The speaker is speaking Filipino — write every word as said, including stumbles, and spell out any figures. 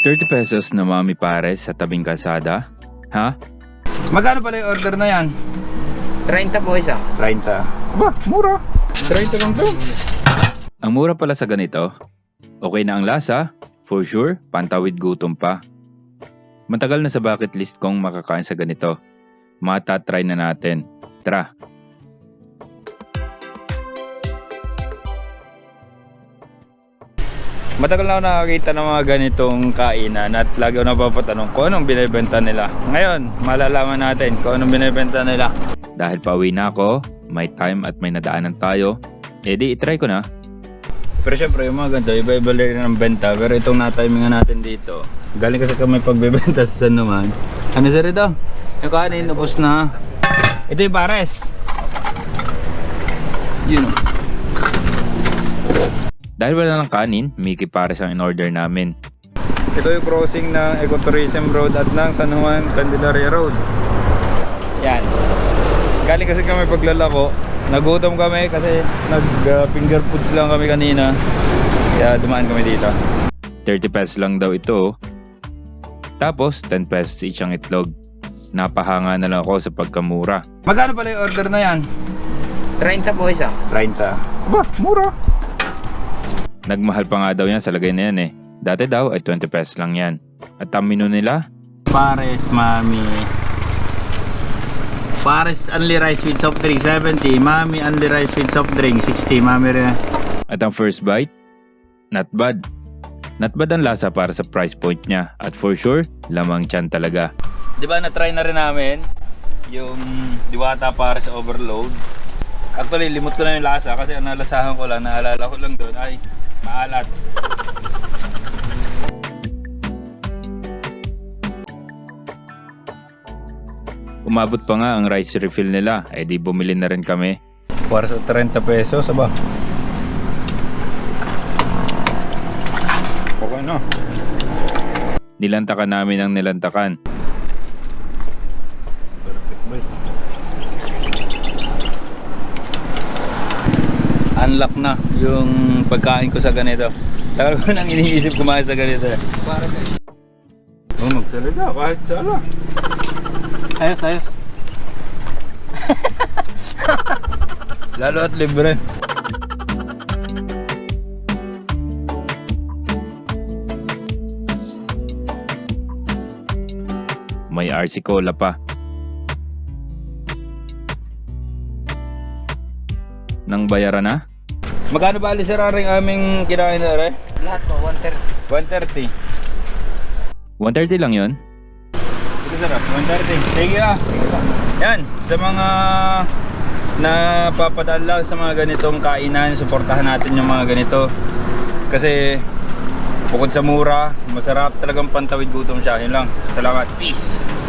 thirty pesos na Mami Pares sa tabing kalsada? Ha? Magkano pala yung order na yan? thirty po isa. thirty. Ba, mura. thirty lang to. Ang mura pala sa ganito. Okay na ang lasa, for sure, pantawid gutom pa. Matagal na sa bucket list kong makakain sa ganito. Matatry na natin. Tara! Matagal na ako nakakita ng mga ganitong kainan at lagi ako napapatanong kung anong binibenta nila. Ngayon, malalaman natin kung anong binibenta nila. Dahil pauwi na ako, may time at may nadaanan tayo, edi itry ko na. Pero syempre yung mga ganito, iba-iba rin ng benta. Pero itong natimingan natin dito, galing kasi kami pagbibenta sa San Numan. Ano sa rito? Yung kanin, ubos na. Ito yung pares. Yun o. Dahil wala ng kanin, Mickey Pares ang in-order namin. Ito yung crossing ng Ecotourism Road at ng San Juan Candelaria Road. Yan. Galing kasi kami paglalako. Nagutom kami kasi nag uh, finger foods lang kami kanina. Kaya dumaan kami dito. thirty pesos lang daw ito. Tapos ten pesos isang itlog. Napahanga na lang ako sa pagkamura. Magkano pala yung order na yan? thirty po isa. thirty. Ba, mura. Nagmahal pa nga daw yan sa lagay na yan eh. Dati daw ay twenty pesos lang yan. At ang menu nila? Pares, Mami. Pares only rice with soft drink seventy. Mami only rice with soft drink sixty. Mami rin. At ang first bite? Not bad. Not bad ang lasa para sa price point niya. At for sure, lamang tiyan talaga. Di ba na-try na rin namin yung Diwata Pares Overload. Actually, limot ko na yung lasa kasi ang nalasahan ko lang, naalala ko lang doon ay maalat. Umabot pa nga ang rice refill nila, eh di bumili na rin kami. Para sa thirty pesos, aba. Okay no. Nilantakan namin ang nilantakan. Perfect boy. Unlock na yung pagkain ko sa ganito. Tagal ko nang iniisip kumain sa ganito. Para guys. Oh, magsalita kahit sala. Ayos, ayos. Lalo at libre. May R C Cola pa. Nang bayaran na? Magkano ba alis sararing aming kinain na rin? Lahat po, one thirty. one thirty. one thirty lang yon. Ito sarap, one thirty. Sige ah. Yan, sa mga napapadaan lang sa mga ganitong kainan, suportahan natin yung mga ganito. Kasi bukod sa mura, masarap talagang pantawid gutom siya. Yun lang. Salamat. Peace.